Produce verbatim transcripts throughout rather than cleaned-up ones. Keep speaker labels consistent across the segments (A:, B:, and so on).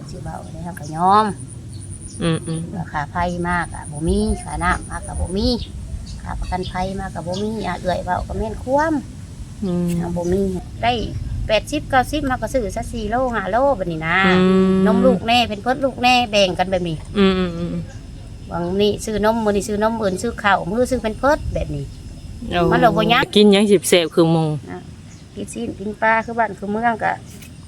A: สิเบาได้เฮาก็ยอม
B: อืมอืม
A: ราคาไผ่มากอ่ะบ่มีค่าน้ำมากก็บ่มีค่าประกันภัยมากก็บ่มีอ่ะเอื้อยเว้าก็แม่นความ
B: อืม
A: บ่มีได้แปดสิบ เก้าสิบมาก็ซื้อซะสี่โลห้าโลบัดนี้นะนมลูกแน่เป็นเพิ่นลูกแน่แบ่งกันแบบนี้
B: อืมอืมอืม
A: บางนี่ซื้อนมมื้อนี้ซื้อนมอื่นซื้อข้าวมื้อซื้อเป็นเพิ่นแบบนี้
B: มันเราบ่ยักกินยังสิบเสพคือมุง
A: กินซีนกินปลาคือบ้านคือเมืองก็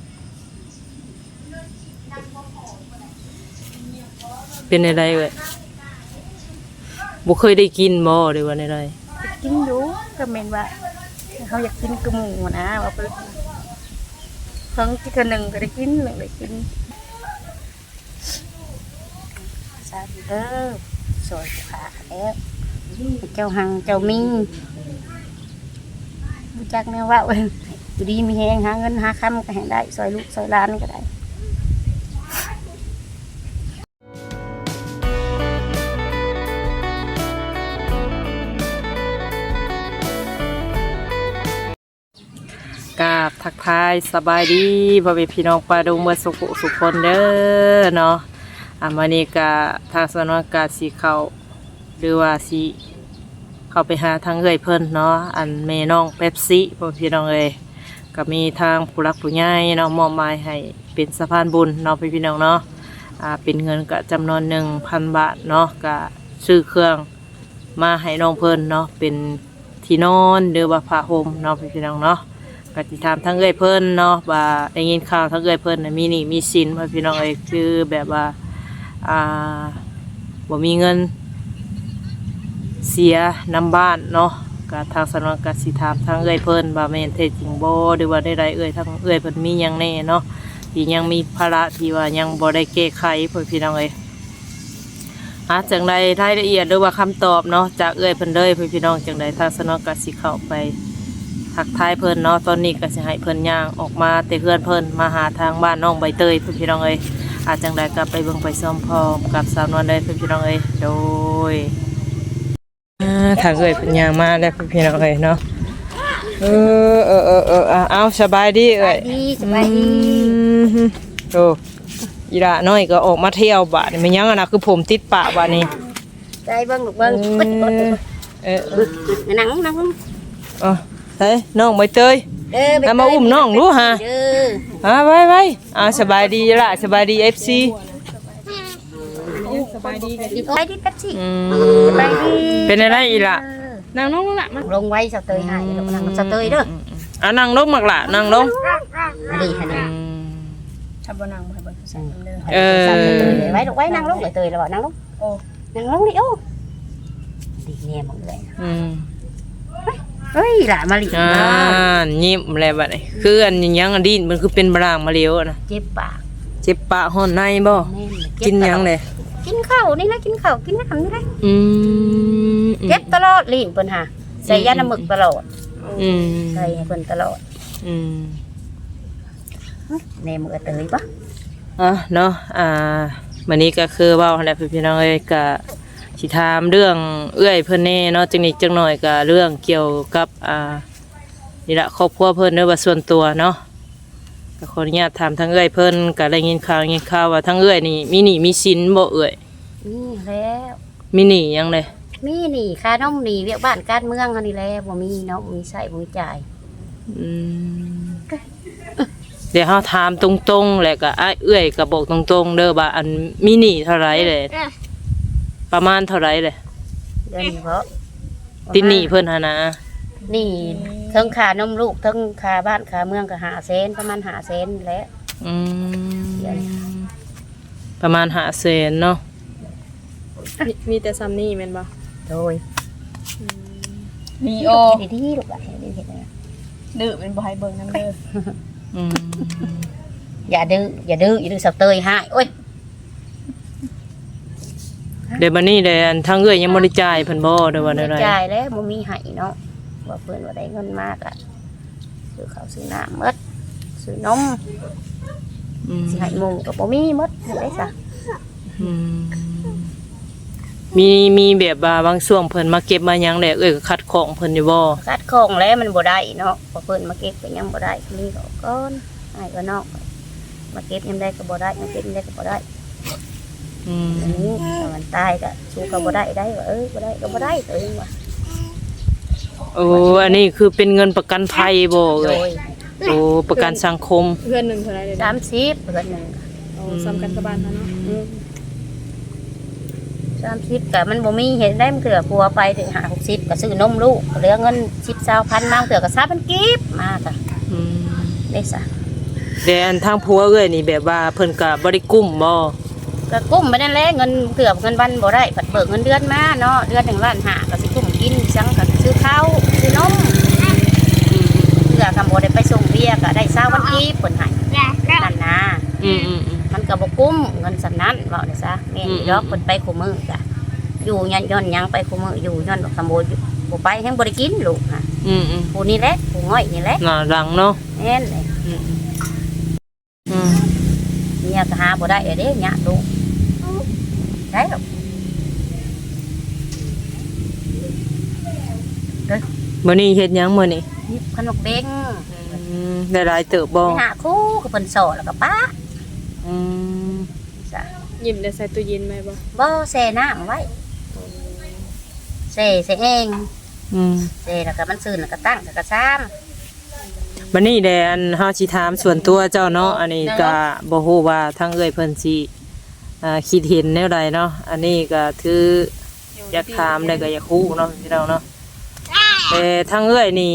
B: เป็นอะไรเอ่ยบ่เคยได้กินบ่หรือว่าอะไร
A: กินอยู่ก็แม่นว่าเขาอยากกินกระหมูนะว่าไปครั้งที่คนหนึ่งก็ได้กินหนึ่งได้กินสาธุเด้อสวยขาแล้วเจ้าหังเจ้ามิงรู้จักแนวว่าอยู่ดีมีแหงหาเงินหาคำก็ให้ได้ซอยลูกซอยหลานก็ได้
B: กราบทักทายสบายดีพ่อแม่พี่น้องปลาดุงเมื่อสุขสุขคนเด้อเนาะอ่ะมื้อนี้ก็ทางสนวนกาสิเข้าหรือว่าสิเข้าไปหาทางเอื้อยเพิ่นเนาะอันแม่น้องเป๊ปซี่พ่อพี่น้องเอ้ยก็มีทางผู้รักผู้ใหญ่เนาะมอบหมายให้เป็นสะพานบุญเนาะพี่น้องเนาะอ่าเป็นเงินก็จำนวน หนึ่งพัน บาทเนาะก็ซื้อเครื่องมาให้น้องเพิ่นเนาะเป็นที่นอนหรือว่าผ้าห่มเนาะพี่น้องเนาะกติถามทั้งเอ้ยเพิ่นเนาะว่าได้ยินข่าวทั้งเอ้ยเพิ่นน่ะมีหนี้มีสินพ่อพี่น้องเอ้ยคือแบบว่าอ่าบ่มีเงินเสียน้ำบ้านเนาะก็ทางสำนักกสิถามทั้งเอ้ยเพิ่นว่าแม่นเท็จจริงบ่หรือว่าได้ใดเอ้ยทั้งเอ้ยเพิ่นมีหยังแน่เนาะที่ยังมีภาระที่ว่ายังบ่ได้แก้ไขพ่อพี่น้องเอ้ยหาจังใดรายละเอียดหรือว่าคำตอบเนาะจากเอ้ยเพิ่นเลยพ่อพี่น้องจังใดทางสำนักกสิเข้าไปทักทายเพิ่นเนาะตอนนี้ก็สิให้เพิ่นย่างออกมาแต่เพื่อนเพิ่นมาหาทางบ้านน้องใบเตยเพิ่นพี่น้องเอ้ยอาจจังใดก็ไปเบิ่งไปซ้อมพร้อมกับสาวนวลเลยเพิ่นพี่น้องเอ้ยโดยอ่าทางเอ้ยเพิ่นย่างมาแล้วเพิ่นพี่น้องเอ้ยเนาะเออเออเออเออเอาสบายดีเอ้ย
A: สบายดี
B: โอ้อีละน้อยก็ออกมาเที่ยวบาดนี่มันยังอ่ะนะคือผมติดปากบาดนี้
A: ใจเบิ่งลูกเบิ่ง
B: เออ
A: นั่งนั่ง
B: อ๋อเฮ้ยน้องใบเตยเอามาอุ้มน้องรู้ฮะอ่าไว้ไว้อ่าสบายดีละสบายดีเอฟซี
A: สบายดีสบายดีกัดสิ
B: สบายดีเป็นอะไรอีละนั่งลงละมา
A: ลงไว้สะเตยให้ลงนั่งสะเตยเด้อ
B: อ่านั่งลงมักละนั่งลง
A: ดีขนาด
C: ทำบนางบ่ให้บ่ใส่เด้อ
B: เออ
A: ไว้ลูกไว้นั่งลงเลยเตยแล้วบ่นั่งลงโอ้นั่งลงดิโอ้ดีแน่หมดเลย
B: อืม
A: เฮ้ยหล่ะมาลิอ่า
B: ยิ้มอะไรแบบนี้คืออันยังอันดินมันคือเป็นบรางมาเลี้ยวนะ
A: เจ็บปาก
B: เจ็บปากห่อนในบ่กินยังเลย
A: กินข้าวนี่นะกินข้าวกินน้ำนี่นะ
B: อืม
A: เจ็บตลอดลิ้นเพิ่นหาใส่ยาน้ำหมึกตลอด
B: อืม
A: ใส่ให้เพิ่นตลอด
B: อืม
A: แม่มือเตยปะ
B: อ่ะเนาะอ่าวันนี้ก็คือว่าอะไรพี่น้องเอ้ยก็สิถามเรื่องเอื้อยเพิ่นแน่เนาะจังนิดจังหน่อยก็เรื่องเกี่ยวกับอ่านี่ละครอบครัวเพิ่นเด้อว่าส่วนตัวเนาะก็ขออนุญาตถามทั้งเอื้อยเพิ่นก็ได้ยินข่าวยินข่าวว่าทั้งเอื้อยนี่มีหนี้มีสินบ่เอื้อย
A: นี่แล้ว
B: มีหนี้ยังเลย
A: มีหนี้ค่าน้องหนี้เวียกบ้านการเมืองอันนี้แหละบ่มีเนาะบ่มีใช้บ่มีจ่าย
B: อืมเดี๋ยวเฮาถามตรงๆแหละก็อ้ายเอื้อยก็บอกตรงๆเด้อว่าอันมีหนี้เท่าไหร่เลยประมาณเท่าไหร่เลย
A: เดือนเพราะ
B: ติดหนี้เพิ่นหั่นนะ
A: นี่ทั้งค่านมลูกทั้งค่าบ้านค่าเมืองก็ห้าแสนประมาณห้าแสนแหละ
B: อืมประมาณห้าแสนเนาะ
C: มีแต่ซ้ำนี่แม่นบ่
A: โดย
C: มีโอ
A: ดีๆลูกอ่ะดีเฮ็ดนะ
C: ดื้อเป็นบ่ให้เบิ่งนำเด้อ
B: อืม
A: อย่าดื้ออย่าดื้ออย่าดื้อสับเตยให้โอ้ย
B: เดี๋ยวบัดนี้เดี๋ยวทางเอื้อยยังบ่ได้จ่ายเพิ่นบ่เด้อว่าได้
A: จ่ายแล้วบ่มีให้เนาะว่าเพิ่นว่าได้เงินมากอ่ะซื้อข้าวซื้อน้ำหมดซื้อนม
B: อืม
A: สิให้หมู่ก็บ่มีหมดได้ซะ
B: อืมมีมีแบบว่าบางช่วงเพิ่นมาเก็บมาหยังแหละเอ้ยก็คัดของเพิ่นอยู่บ่
A: คัดของแล้วมันบ่ได้เนาะพอเพิ่นมาเก็บก็ยังบ่ได้นี่ก็ก่อนให้ก็นอกมาเก็บยังได้ก็บ่ได้มาเก็บยังได้ก็บ่ได้
B: อืม
A: อันนี้ถ้ามันตายก็สู้ก็บ่ได้ได้ว่าเออบ่ได้ก็บ่ได้ตัวเองว่า
B: โอ้อันนี้คือเป็นเงินประกันภัยบ่
A: โด
B: เอ้ย
A: ย
B: โอ้ประกันสังคม
C: เพื่อนหนึ่งเท่าไหรเลยนะ
A: สามสิบเพิ่นหนึง
C: เอาซ้ำกันกับบ้านเขาเนาะ
A: อืมสามสิบก็มันบ่มีเห็นได้มันเถื่อผัวไปถึงห้าหกสิบก็ซื้อนมลูกเหลือเงินสิบเก้าพันมาเถื่อก็สามพันกีบมาก็
B: อืม
A: ได้ซะ
B: แต่อันทางผัวเอ้ยนี่แบบว่าเพิ่นก็บ่ได้กุ้มบ่
A: ก็กุ้มไปนั่นแหละเงินเกือบเงินวันบ่ได้ผัดเบิกเงินเดือนมาเนาะเดือนหนึ่งล้านห้าก็สิกุ้มกินซังก็ซื้อข้าวซื้อนมเพื่อกำบ่ได้ไปส่งเบี้ยก็ได้เช้าวันกีบเพิ่นให้นั่นนะ
B: อืมอืมอืม
A: มันก็บ่กุ้มเงินสำนั้นเว้าได้ซะแม่นอยู่ดอกเพิ่นไปคู่มือก็อยู่ยันย้อนหยังไปคู่มืออยู่ย้อนคำบ่บ่ไปแฮงบ่ได้กินลูกค่ะ
B: อืมอืม
A: ผู้นี้แหละผู้ง่อยนี่แหละ
B: น่ารังเนาะ
A: แม่นเลย
B: อืมอืม
A: เมียก็หาบ่ได้เด้ยะลูกได้หรอก
B: มื้อนี้เฮ็ดหยังมื้อนี้
A: นี่ขนมเบ้ง
B: อืมได้หลายเติบบ่
A: ไปหาคู่กับเพิ่นโสดแล้วก็ป้า
B: อืม
A: จ้ะ
C: หยิบได้ใส่ตู้เย็นไหมบ่
A: บ่แช่น้ำไว้แช่แช่เอง
B: อืม
A: แช่แล้วก็มันซื่นแล้วก็ตั้งแล้วก็ซ้ำ
B: บัดนี้แดอันเฮาสิถามส่วนตัวเจ้าเนาะอันนี้ก็บ่ฮู้ว่าทางเอ้ยเพิ่นสิอ่าคิดเห็นแนวใดเนาะอันนี้ก็ถืออยากถามได้ก็อยากรู้เนาะพี่น้องเนาะแต่ทางเอ้ยนี่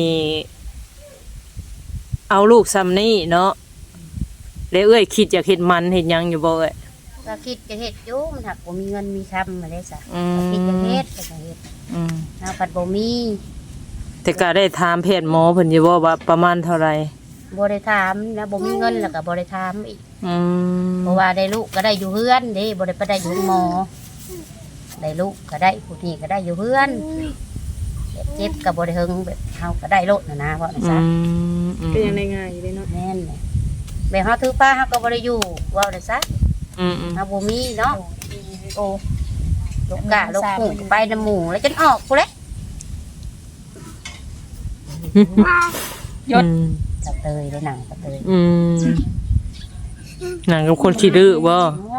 B: เอาลูกซ้ำนี่เนาะแล้วเอ้ยคิดอยากเฮ็ดมันเฮ็ดหยังอยู่บ่เอ้ย
A: ก็คิดจะเฮ็ดอยู่มันหักบ่มีเงินมีคำมาได้ซะ
B: อื
A: ก็คิดจะ
B: ม
A: เฮ็ดก็จะเฮ็ด
B: อืม
A: เนาะปัดบ่มี
B: แต่ก็ได้ถามแพทย์หมอเพิ่นอยู่บ่ว่าประมาณเท่าไหร่
A: บ่ได้ถามนะบ่มีเงินแล้วก็บ่ได้ถามอีก
B: อืม
A: เพราะว่าได้ลูกก็ได้อยู่เฮือนเด้บ่ได้ไปได้อยู่หมอได้ลูกก็ได้ผู้นี้ก็ได้อยู่เฮือนแบบเจ็บก็บ่ได้เฮิงแบบเฮาก็ได้โลดนะนะว่า
B: อื
A: ซั่น
B: มอืม
C: ก็ยังได้ง่ายอยู่เลยเนาะ
A: แม่นเลยแบบเฮาถือป้าเฮาก็บ่ได้อยู่ว่าได้ซะ
B: อืมอืม
A: เฮาบ่มีเนาะโอ้ลูกกะลูกหูไปน้ำหมูแล้วจนออกกูเลย
B: ยศ
A: ตะเตยได้หนังตะเตย
B: อืมหนังกับคนขี้ดื้อบ่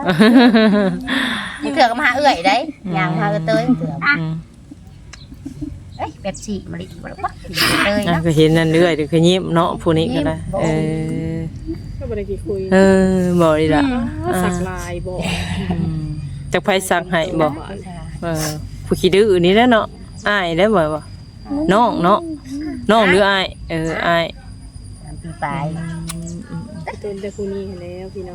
A: นี่เถื่อก็มาหาเอื้อยได้ย่างมาหาเตยเถื่อ
B: อืม
A: เอ้ยเป็ดสีมะลิบ่ล่ะเตย
B: อ่ะ
A: เนาะ
B: ก็เห็นนั่นเรื่อยเดี๋ยวก็ยิ้มเนาะผู้นี้ก็ได้
A: ยิ้มบ่
B: เออ
C: ก็บ่ได้กี่คุย
B: เออบ่ดีล่ะ
C: สักลายบ่
B: อืมจักไผสักให้บ่
A: ค่ะ
B: เออผู้ขี้ดื้อนี่แหละเนาะอ้ายได้บ่บ่น้องเนาะน้องหรืออ้ายเอออ้าย
A: ตามปีปลาย
C: ต้นแต่คู่นี้เห็นแล้วพี่น้อง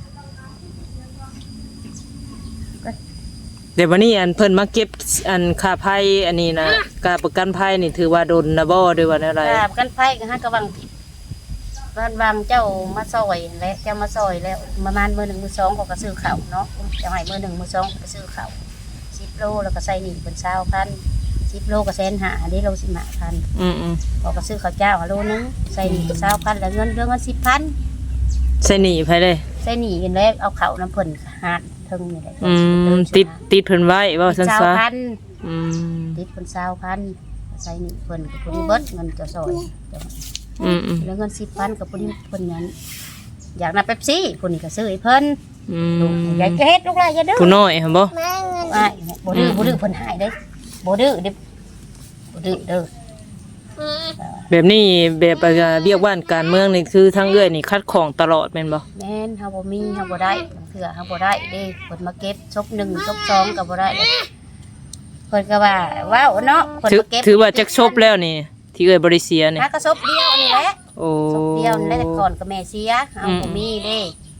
B: เดี๋ยววันนี้อันเพิ่นมาเก็บอันค่าภัยอันนี้นะการประกันภัยนี่ถือว่าโดนนะบ่ด้วยว่าแนวใด
A: กราบกันไผก็หากะวังผิดบ้านบางเจ้ามาซอยและเจ้ามาซอยแล้วประมาณมื้อหนึ่งมื้อสองเขาก็ซื้อข้าวเนาะเจ้าให้มื้อหนึ่งมื้อสองก็ซื้อข้าวสิบโลแล้วก็ใส่หนี้เป็นเช้าพันสิบโลก็แสนห้าอันนี้โลสิบห้าพัน
B: อืมอืม
A: เขาก็ซื้อข้าวเจ้าโลนึงใส่หนี้เป็นเช้าพันแล้วเงินเดือนเงินสิบพัน
B: ใส่หนีไผเลย
A: ใส่หนี้กันแล้วเอาข้าวน้ำเพิ่นหาดเทิงนี่แหละ
B: อืมติดติดเพิ่นไว้เว่าซั่น
A: เช้า
B: ซะ
A: พัน
B: อืม
A: ติดเป็นเช้าพันใส่หนี้เพิ่นกับคนนี้เบิดเงินเจะซอยเจ้า
B: อืมอืม
A: แล้วเงินสิบพันกับคนนี้เพิ่นนั้นอยากนับเป๊ปซี่คนนี้ก็ซื้อให้เพิ่น
B: อื
A: ลูก
B: ม
A: อยากจะเฮ็ดลูกหลานอย่าดื้อ
B: ผู้น้อยหั่นบ่
A: อ้ายบ่ดื้อบ่ดื้อเพิ่นหายเด้บ่ดื้อเด้บ่ดื้อเด้อ
B: แบบนี้แบบว่าเรียกว่าการเมืองนี่คือทางเอื้อยนี่คัดของตลอดแม่นบ่
A: แม่นเฮาบ่มีเฮาบ่ได้บางเทื่อเฮาบ่ได้เด้เพิ่นมาเก็บซบหนึ่งซบสองก็บ่ได้เด้เพิ่นก็ว่าว้าวเนาะเพิ่น
B: ถือ
A: มาเก็บ
B: ถือว่าจักชบแล้วนี่ ที่เอื้อยบ่ได้เสียนี่
A: หาก็ซบเดียวนี่แหละ
B: โอ้
A: ซบเดียวนี่แหละแต่ก่อนก็แม่เสียเฮาบ่มีเด้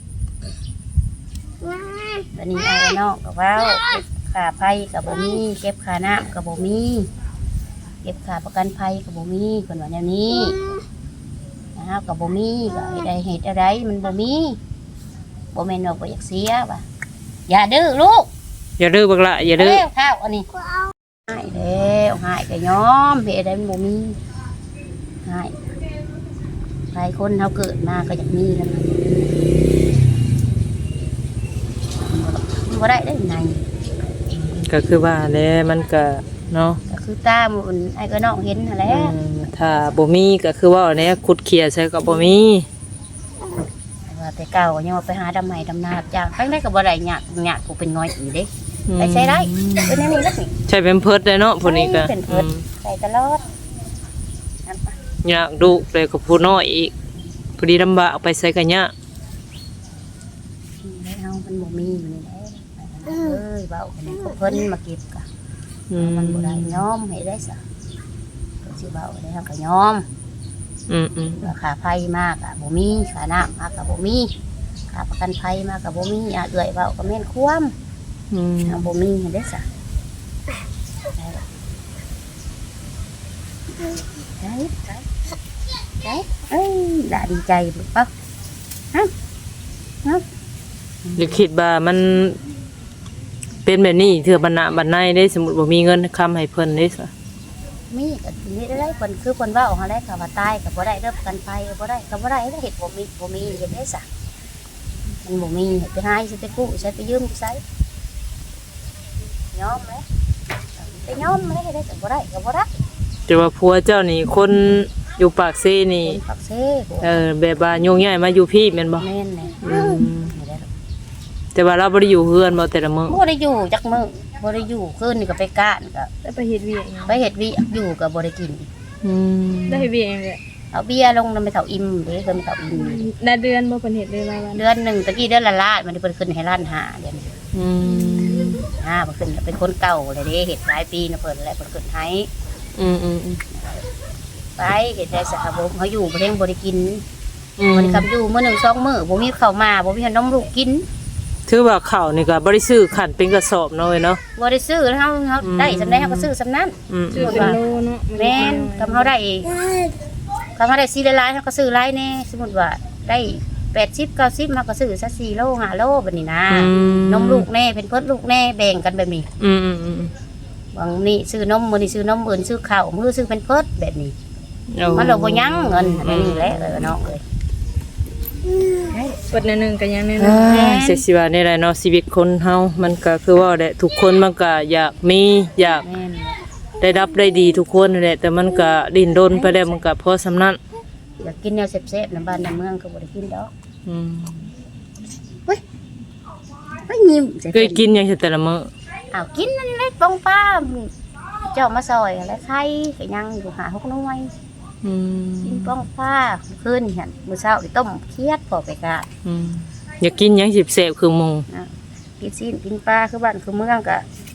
A: ตอนนี้ไอ้น้องก็ว้าวเก็บค่าไฟก็บ่มีเก็บค่าน้ำก็บ่มีเก็บค่าประกันภัยก็บ่มีเพิ่นว่าแนวนี้เฮาก็บ่มีก็ให้ได้เฮ็ดอะไรมันบ่มีบ่แม่นว่าบ่อยากเสียว่ะอย่าดื้อลูก
B: อย่าดื้อบักละอย่าดื้อ
A: เร็วข้าวอันนี้หายแล้วหายก็ยอมเฮ็ดได้มันบ่มีหายหลายคนเฮาเกิดมาก็อยากมีแล้วมันบ่ได้ได้ไง
B: ก็คือว่าแหล้วมันก็เนาะ
A: ก็คือตาหมันไอ้ก็น้องเห็นนั่นแหละ
B: อืมถ้าบ่มีก็คือว่าแหน่ขุดเขียใส่ก็บ่มี
A: ว่าแต่เก่ายังว่าไปหาดำไม้ดำนาจ้างไปได้ก็บ่ได้ยากยากกูเป็นน้อยอีเด้ไปใช้ได้เป็นอย่างนี้แล้วนี่
B: ใช้เป็นเพิดได้เนาะผู้นี้ก็
A: เป็นเพิ่นใส่ตลอดนั่นปะ
B: อยากดูเลยกับผู้น้อยอีกพอดีลำบากไปใส่กันยะ
A: ไม่เอามันบ่มีอยู่นี่แหละเอ้ยเบาคนนี้ก็เพิ่นมาเก็บกะ
B: อืม
A: มันบ่ได้ยอมให้ได้ซะก็สิเบาได้เฮาก็ยอม
B: อืมอืม
A: ราคาไฟมากอ่ะบ่มีค่าน้ำมากก็บ่มีค่าประกันภัยมากก็บ่มีอ่ะเอื้อยเบาก็แม่นความ
B: อืม
A: เอาบ่มีให้ได้ซะได้ได้ได้เอ้ยด่าดีใจบ่เปล่าฮะฮะ
B: หรือคิดว่ามันเป็นแบบนี้เถื่อบันนะบันในได้สมมุติว่ามีเงินคำให้เพิ่นได้ซะ
A: มีก็มีได้เพิ่นคือเพิ่นว่าออกมาได้ก็ว่าตายก็บ่ได้เด้อประกันภัยก็บ่ได้ก็บ่ได้เฮ็ดบ่มีบ่มีเฮ็ดได้ซะมันบ่มีเฮ็ดไปหาสิไปกู้ใช้ไปยืมใช้ยอมเลยไปยอมเลยเฮ็ดได้ก็บ่ได้ก็บ่ได้
B: แต่ว่าผัวเจ้านี่คนอยู่ปากเซนี่
A: เป็นปักเซ่
B: เออแบบว่าโยงใหญ่มาอยู่พี่แม่นบ่
A: แม่นแหละ
B: อืมแต่ว่าเราบ่ได้อยู่เฮือนบ่แต่ละมื้อ
A: บ่ได้อยู่จักมื้อบ่ได้อยู่คืนนี่ก็ไปก้านก็
C: แล้วไปเฮ็ดเวียกหยัง
A: ไปเฮ็ดวิอยู่ก็บ่ได้กิน
B: อืม
C: ได้เฮ็ดเวียกหยังเลย
A: เอาเบียร์ลงนำไปเฒ่าอิ่มเด้เพิ่นไปเฒ่าอิ่ม
C: ได้เดือนบ่เพิ่นเฮ็ดเลยรายวัน
A: เดือนหนึงตะกี้เดือนละล้านมันเพิ่นขึ้นให้ล้านห้าเดือนนี้
B: อืม
A: อ่าเพิ่นขึ้นเป็นคนเก่าเลยเด้เฮ็ดหลายปีนะเพิ่นแหละเพิ่นขึ้นให้
B: อืมอืมอืม
A: ไปเฮ็ดได้สะบ่เขาอยู่บ่ได้บ่ได้กิน
B: อืม
A: บ่ได้คำอยู่มื้อหนึงสองมื้อบ่มีข้าวมาบ่มีขนมลูกกิน
B: ถือว่าข้าวนี่ก็บ่ได้ซื้อขันเป็นกระสอบเนาะเว้ยเนาะ
A: บ่ได้ซื้อแล้วเฮาเฮาได้สำได้เฮาก็ซื้อสำนั้น
B: อืม
C: ชื่อเป็นโลเนาะ
A: แม่นกำเฮาได้กำเฮาได้สี่หลายๆเฮาก็ซื้อหลายแน่สมมุติว่าได้แปดสิบ เก้าสิบเฮาก็ซื้อสักสี่โลห้าโลบัดนี้นะนมลูกแน่เป็นเพิ่นลูกแน่แบ่งกันแบบนี้
B: อืมอืมอืม
A: บางนี่ซื้อนมมื้อนี้ซื้อนมมื้อนี้ซื้อข้าวมื้อซื้อเป็นเพิ่นแบบนี้
B: เอา
A: มันเราบ่ยั้งเงินอันนี้แหละเออน้องเอ้ย
C: เปิดแนวหนึงก็ยังแนวหนึ
B: อ่าง เสียสิว่านี่แหละเนาะชีวิตคนเฮามันก็คือว่าแหละทุกคนมันก็อยากมีอยาก
A: แม่น
B: ได้รับได้ดีทุกคนนั่นแหละแต่มันก็ดิ้นรนไปแล้วมันก็พอสำนั้น
A: อยากกินแนวแซ่บๆในบ้านในเมืองก็บ่ได้กินดอก
B: อืม
A: ไม่ยิ้ม
B: เคยกินหยังแต่ละมื้อ
A: อ้าวกินนั่นแหละปองป้าเจ้ามาซอยแล้วไข่ก็ยังอยู่หาหกหน่วย
B: อืม
A: กินปองป้าคืนหั่นมื้อเช้านี่ต้มเคียดพอไปกะ
B: อืมอยากกินหยังสิบแซ่บคือหมู่
A: นะกินซีนกินปลาคือบ้านคือเมืองก็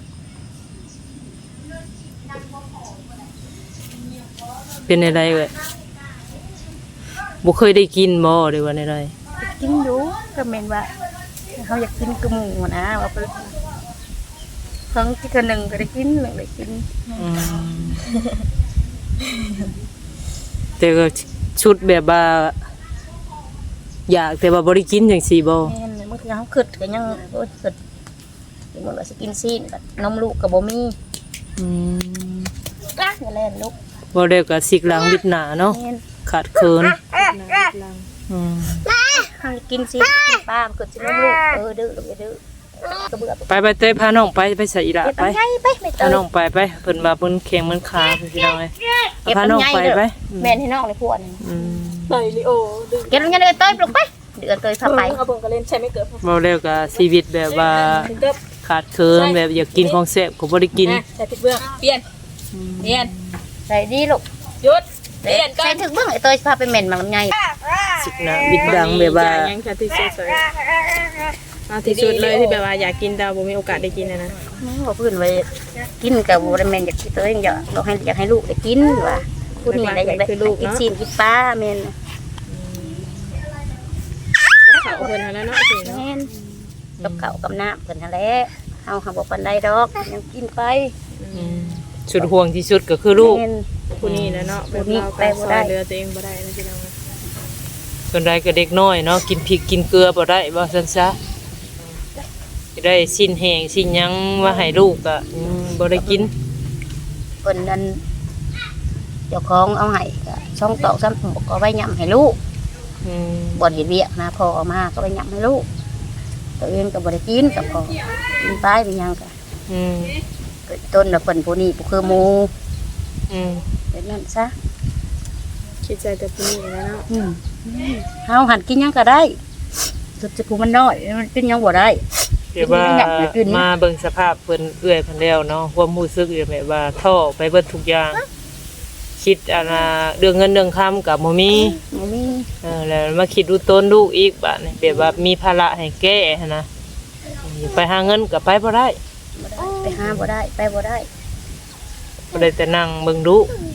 B: เป็นอะไรเว้ยบ่เคยได้กินบ่หรือว่าอะไร
A: กินอยู่ก็แม่นว่าเขาอยากกินกระหมูนะว่าไปครั้งที่คนหนึ่งก็ได้กินหนึ่งได้กิน
B: อืมแต่ก็ชุดแบบว่าอยากแต่ว่าบ่ได้กินจังซี่บ่
A: แม่นเมื่อกี้เขาขึ้นก็ยังโอ้ยขึ้นกินหมดแล้วสิกินซีนแบบนมลูกกับบ่มี
B: อืม
A: กล้าอย่าเล่นลูก
B: บ่ได้ก็สิกหลังวิดหน้าเนาะ
A: แม่น
B: ขาดเคิน
C: ลัง
B: อืม
A: เขากินซีนกินปลามันขึ้นสินมลูกเออดื้อลูกอย่าดื้อก็เบื่อ
B: ไปไปเต้พาน้องไปไปใส่อีหละ
A: เก็บ
B: ไป
A: ลำไยไปไม่เต
B: พาย น้องไปไปเพิ่นว่าเพิ่นแข็งมันขาเพิ่นสิเอาไว้
A: เก็บ
B: พาน้อง
A: ลำไย
B: ไป
A: เด้อ
B: ไป
A: แม่นให้น้องเลยพวกนี้
B: อืม
C: ใส่ลิโอดึง
A: เก็บลำไยเลยเต้ยปลุกไปเดือดเตยพาไป
C: เอาเบิ่งก็เล่นใช้ไม่เกิด
B: เว้าแล้วก็ชีวิตแบบว่า
C: ถึงเกิด
B: ขาดเคินแบบอยากกินของแซ่บก็บ่ได้กิน
C: ใส่ผิดเบื้องเปลี่ยนเปลี่ยน
A: ใส่ดีลูก
C: หยุดเปลี่ยนก่อ
A: ใส่
C: น
A: ถึงเบื้องไอ้เตยพาไปเหม็นมันลำไย
B: สิกนะบิดดังแบบว่า
C: ยังแค่ที่สุดเลยเอาที่สุดเลยที่แบบว่าอยากกินแต่บ่มีโอกาสได้กินนะนะ
A: ว่าพื้นไว้กินกับบัวแมนอยากกินเตยอยากเราให้อยากให้ลูกได้กินว่าพูดนี่อะไรอยากได้กินซีนกินปลาแมน
C: เขาเพิ่นหาแล้วเนาะสิ
A: แม
C: เนาะ
A: นกับเก่ากับน้ำเพิ่นนั่นแหละเอาหาบอกปันไดดอกยังกินไป
B: อืมสุดห่วงที่สุดก็คือลูก
A: แม่น
C: ผู้นี้นะเนาะแบบเราก็ซอยเรือตัวเองบ่ได้นะพี่น้อง
B: คนใดก็เด็กน้อยเนาะกินพริกกินเกลือบ่ได้บ่ซั่นซะจะได้สิ้นแห้งสิ้นหยังว่าให้ลูกก็อืมบ่ได้กิน
A: เพิ่นนั่นเจ้าของเอาให้ก็ช่องตอกซ้ำบอกก็ไว้ย่ำให้ลูก
B: อืม
A: บ่เห็นเวียกนะพอเอามาก็ไว้ย่ำให้ลูกตัวเองก็บ่ได้กินกับพอกินไปเป็นยังก็
B: อืม
A: ต้นน่ะเพิ่นผู้นี้ผู้คือหมู่
B: อืม
A: แบบนั้นซะ
C: คิดใจแต่ผู้นี้แล้วเนาะ
A: อืมเฮาหันกินหยังก็ได้สุดจะกูมันน้อยมันเป็นยังบ่ได้
B: เดี๋ยวว่ามาเบิ่งสภาพเพิ่นเอื้อยเพิ่นแล้วเนาะความรู้สึกอยู่แบบว่าท่อไปเบิดทุกอย่าง คิดอันน่ะเรื่องเงินเรื่องคำก็บ่มี
A: บ่มี
B: เออแล้วมาคิดดูต้นลูกอีกบัดนี้แบบว่ามีภาระให้แก้หั้นนะไปหาเงินก็ไปบ่ได้
A: บ่ได้ไปหาบ่ได้ไปบ่ได้
B: บ่ได้แต่นั่งเบิ่งดู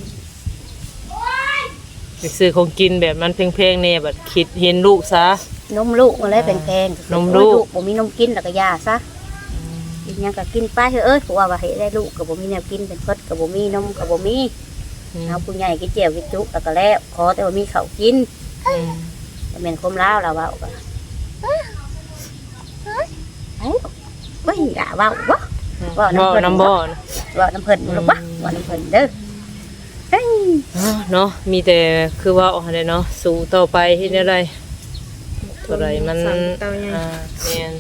B: ไปซื้อของกินแบบมันแพงๆแน่บัดคิดเห็นลูกซะ
A: นมลูกมาเลยแพงๆ
B: นมลูก
A: บ่มีนมกินแล้วก็ยาซะกินหยังก็กินไปเถอะเอ้ยเพราะว่าว่าให้ได้ลูกก็บ่มีแนวกินเป็นเพิดก็บ่มีนมก็บ่มี
B: อืม
A: เอาผู้ใหญ่กินเจียวกินจุแล้วก็แล้วขอแต่ว่ามีข้าวกิน
B: อืม
A: บ่แม่นคมลาวล่ะเว้าก็เอ้าบ่เห็นด่าเว้าบ่
B: บ่น้ำบ่นะ
A: เว้าน้ำเพิ่นบ่ลูกบ่เว้าน้ำเพิ่นเด้อเฮ้ย
B: อ้าวเนาะมีแต่คือว่าเอาได้เนาะสู้ต่อไปเฮ็ดได้ไรเท่าไรมัน
C: สามเต้าใหญ่
B: อ่าแม่น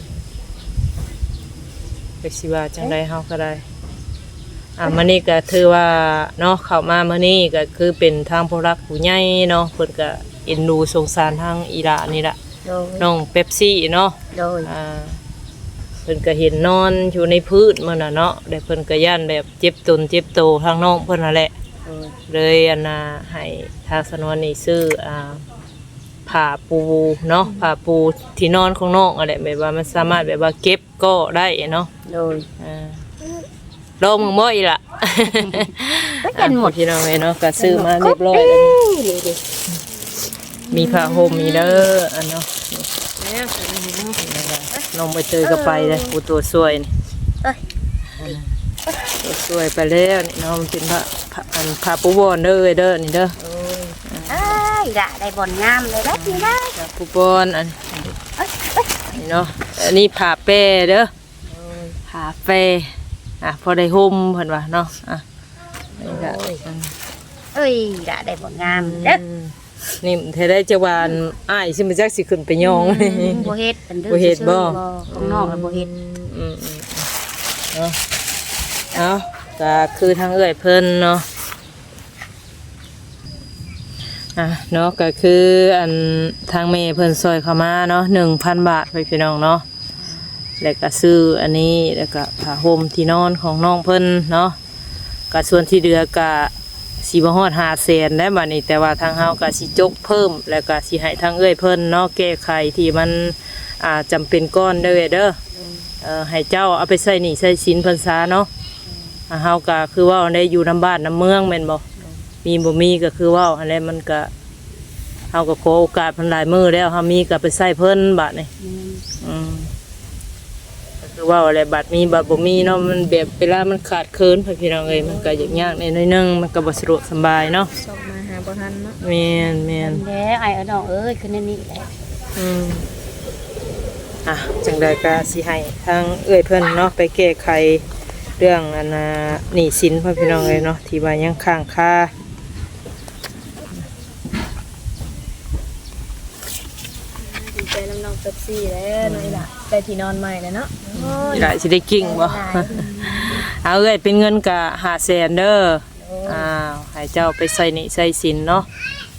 B: ไปสิว่าจังไดเฮาก็ได้อ่ามื้อนี้ก็ถือว่าเนาะเข้ามามื้อนี้ก็คือเป็นทางผู้รักผู้ใหญ่เนาะเพิ่นก็เอ็นดูสงสารทางอีหลานี่ล่ะ
A: โดย
B: น้องเป๊ปซี่เนาะ
A: โดย
B: อ่าเพิ่นก็เห็นนอนอยู่ในพื้นมื้อน่ะเนาะแล้วเพิ่นก็ย่านแบบเจ็บตนเจ็บโตทางน้องเพิ่นนั่นแหละ
A: โดย
B: เลยอันน่ะให้ทางสนวนนี่ซื้ออ่าผ้าปูเนาะผ้าปูที่นอนของน้องอะไรแบบว่ามันสามารถแบบว่าเก็บก็ได้เนาะ
A: โดย
B: อ่าลองมึงบ่อีล่ะ
A: ก็กันหมด
B: พี่น้องเลยเนาะก็ซื้อมาเรียบร้อยแล้วนี่มีผ้าห่มมีเด้ออันเนาะ
C: แล้ว
B: น้องไปเจอก็ไปเลยปูตัวสวยนี่
A: เอ้ย
B: ตัวสวยไปแล้วนี่เนาะมันเป็นผ้าผ้าอันผ้าปูบอนเด้อเด้อนี่เด้อ
A: เอ้ยด่าได้บ่อนงามเลยแล้วนี่ได้
B: ผ้าปูบอนอันนี่เนาะอันนี้ผ้าแปรเด้อผ้าแปรอ่ะพอได้ห่มเพิ่นว่าเนาะอ่ะนี่ก็
A: เอ้ยด่าได้บ่อนงามเด้อ
B: อืมนี่เธอได้จะวานอ้ายสิมาจักสิขึ้นไปยอง
A: บ่เฮ็ดเป็นเด้อ
B: บ่เฮ็ดบ่
A: ของน้องแล้วบ่เฮ็ด
B: อืมอืมเนาะเอาก็คือทางเอื้อยเพิ่นเนาะอ่ะเนาะก็คืออันทางเมย์เพิ่นซอยเข้ามาเนาะหนึ่งพันบาทไปพี่น้องเนาะแล้วก็ซื้ออันนี้แล้วก็ผ้าห่มที่นอนของน้องเพิ่นเนาะก็ส่วนที่เหลือก็สิบ่ฮอดห้าแสนได้บัดนี้แต่ว่าทางเฮาก็สิจกเพิ่มแล้วก็สิให้ทางเอื้อยเพิ่นเนาะแก้ไขที่มันอ่าจำเป็นก้อนเด้อเด้อเอ่อให้เจ้าเอาไปใส่หนี้ใส่สินเพิ่นซะเนาะอ่าเฮาก็คือว่าได้อยู่น้ำบ้านน้ำเมืองแม่นบ่มีบ่มีก็คือว่าอันนี้มันก็เฮาก็ขอโอกาสเพิ่นหลายมื้อแล้วเฮามีก็ไปใส่เพิ่นบัดนี้อืมก็คือว่าอะไรบัดมีบัดบ่มีเนาะมันแบบเวลามันขาดเคินพี่น้องเอ้ยมันก็ยากๆในน้อยนึงมันก็บ่สะดวกสบายเนาะ
C: ส่งมาหาบ่ทันเนาะ
B: แม่นแม่น
A: แล้วไอ้เอาน้องเอ้ยคือนั่นนี่แหละ
B: อืมอ่ะจังใดก็สิให้ทางเอื้อยเพิ่นเนาะไปแก้ไขเรื่องอันน่ะหนี้สินพ่อพี่น้องเอ้ยเนาะที่ว่ายังค้างคา
C: ดีใจน้ำน้องเป๊ปซี่แล้วน้อยล่ะได้ที่นอนใหม่แล้วเนาะ
B: อีหลายสิได้กิ่งบ่ เอาเอ้ยเป็นเงินกะห้าแสนเด้ออ้าวให้เจ้าไปใส่หนี้ใส่สินเนาะ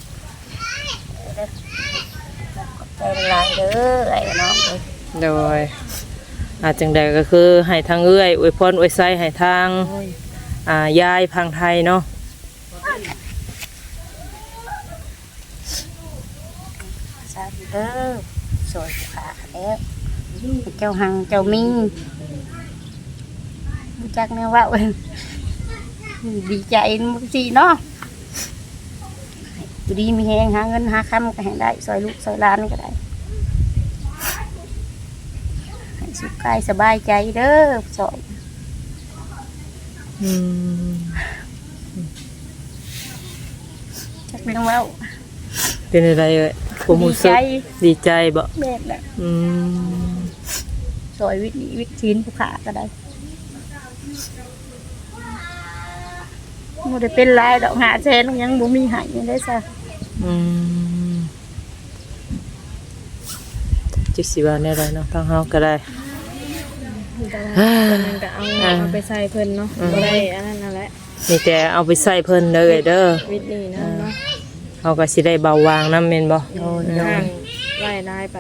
A: ใจหลายเด้อไอ้น้องเอ้ย
B: โดยอาจังใดก็คือให้ทางเอื้อยอวยพรอวยไสให้ทางอ่ายายพังไทยเนาะ
A: สาธุเด้อสวยขาแล้วเจ้าหังเจ้ามิงรู้จักแนวว่าเว้ยดีใจมึงสิเนาะอยู่ดีมีแฮงหาเงินหาคำก็ให้ได้ซอยลูกซอยหลานก็ได้ให้สุขกายสบายใจเด้อซอย
B: อืม
A: จักเรื่องเว่า
B: เป็นอะไรเอ้ยผมรู้สึกดีใจบ่
A: แม่นแหละ
B: อืม
A: ซอยวิถีวิถีผู้ขาก็ได้บ่ได้เป็นลายดอกหาแสนยังบ่มีใหายยังได้ซะ
B: อืมจิสิว่าแน่ไรเนาะทางเฮาก็ได้
C: แต่ว่าตอนนั้นก็เอาเอาไปใส่เพิ่นเนาะบ่ได้อันนั้นนั่นแหละ
B: มีแต่เอาไปใส่เพิ่นเด้อเด้อ
C: วิทย์นี่นะเนาะ
B: เฮาก็สิได้เบาบางนำแม่นบ่
C: ทางไล่ลายปัด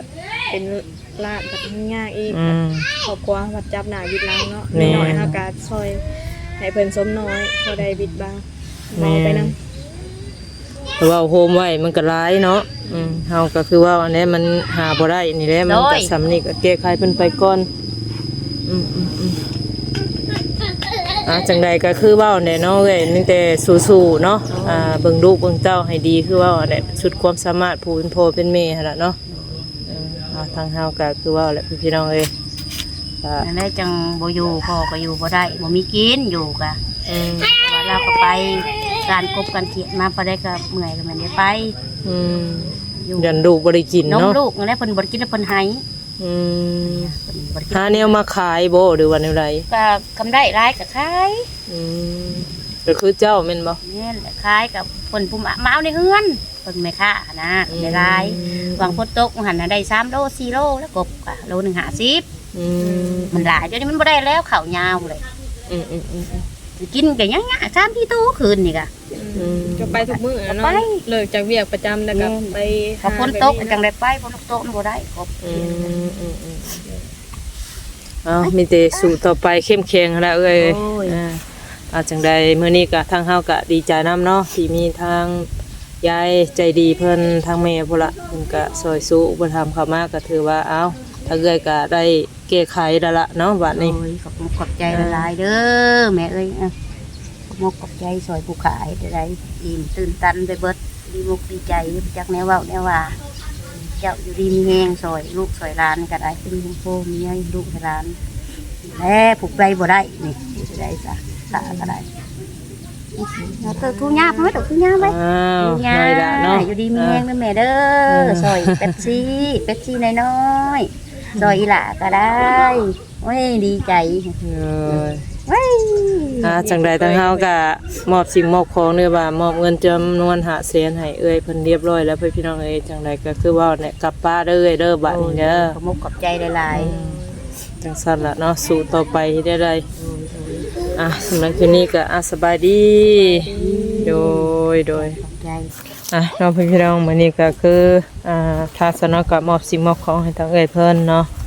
C: เป็นลาดแบบยากอีก
B: อืม
C: ครอบครัววัดจับหน้าบิดหลังเนาะ
B: แม่
C: น้อยเฮาก็ซอยให้เพิ่นสมน้อยพอได้บิดบ้างเมาไปนำ
B: เพราะว่าโฮมไว้มันก็ร้ายเนาะอืมเฮาก็คือว่าอันนี้มันหาบ่ได้นี่แหละมันก็สำนี่ก็แก้ไขเพิ่นไปก่อนอืมอืมอืมอ่ะจังใดก็คือเว้าแน่เนาะเอ้ยมีแต่สู้ๆเนาะอ่าเบิ่งลูกเบิ่งเต้าให้ดีคือเว่าแหละสุดความสามารถผู้เป็นพ่อเป็นแม่หั่นล่ะเนาะเอออ่าทางเฮาก็คือเว่าแหละพี่น้องเอ้ยก็
A: นั่นแหละจังบ่อยู่พ่อก็อยู่บ่ได้บ่มีกินอยู่กะ
B: อืม
A: เพราะว่าเราก็ไปการกบการเขียนมาพอได้ก็เมื่อยก็แม่นได้ไป
B: อืม
A: อยู่
B: ยันลูกบ่ได้กิน
A: นม
B: เนาะ
A: ลูกนั่นแหละเพิ่นบ่ได้กินแล้วเพิ่นให้
B: อืม
A: เพิ่นบ่ได้กิน
B: หาแนวมาขายบ่หรือว่าแนวใด
A: ก็กำไรหลายก็ขาย
B: อืมก็คือเจ้าแม่นบ่
A: แม่นแหละขายกับเพิ่นผู้มามาเอาในเฮือนเพิ่นไม่ค่านะได้หลาย วางพดตกหันน่ะได้สามโลสี่โลแล้วกบกะโลหนึ่งห้าสิบ
B: อืม
A: มันหลายเดี๋ยวนี้มันบ่ได้แล้วข้าวยาวเลย
B: อืมอืมอืมอืม
A: กินกันยังๆสามที่ตู้คืนนี่กะ
B: อืม
C: ก็ไปทุกมื้ออะ
A: ไป
C: เนาะเลิกจากเวียกประจำแล้วก็ไป
A: พอฝนตกก็จังได้ไปฝนตกมันบ่ได้กบ
B: อืมอืมอืมเอามีแต่สู่ต่อไปเข้มแข็งแล้วเอ้ยอ่าเอาจังใดมื้อนี้ก็ทางเฮาก็ดีใจนํเนาะที่มีทางยายใจดีเพิ่นทางแม่พุ่นละเพิ่นก็ซอยสู้อุปถัมภ์เข้ามาก็ถือว่าเอ้าถ้าเอ้ยก็ได้แก้ไขแล้วล่ะเนาะบัดนี้
A: โอ้ยขอบคุณขอบใจหลายๆเด้อแม่เอ้ยอ่ะขอบคุณขอบใจซอยผู้ขายได้อิ่มตื่นตันไปเบิดดีมุกดีใจจักแนวเว้าแนวว่า เจ้าอยู่ดีมีแหงซอยลูกซอยหลานก็ได้เป็นคุณพ่อมีให้ลูกให้หลานแล้ผูกใจบ่ได้นี่จะได้สะสะก็ได้เอาเตอทุญ่าไหมเตอทุญ่าไหม
B: อ้าว
A: ทุญ่า
B: ได้ละเนาะ
A: อยู่ดีมีแหงเด้อแม่เด้อซอยเป็ดซี่เป็ดซี่น้อยๆซอยอีหล่าก็ได้โอ้ยดีใจ
B: เออ
A: เว้ย
B: อ่าจังใดทางเฮาก็มอบสิ่งมอบของเด้อว่ามอบเงินจำนวนห้าแสนให้เอ้ยเพิ่นเรียบร้อยแล้วเพิ่นพี่น้องเอ้ยจังใดก็คือว่าเนี่ยกลับป้าเด้อเอ้ยเด้อบัดนี้เด้อ
A: ขอบคุณขอบใจหลาย
B: จังซั่นล่ะเนาะสู่ต่อไปให้ได้ได้อ่ะสำหรับคืนนี้ก็อ่ะสบายดี โดยโดย
A: ๆขอบใจ
B: อ่ะน้องพี่น้องมื้อนี้ก็คืออ่าทางสนก็มอบสิ่งมอบของให้ทางเอ้ยเพิ่นเนาะ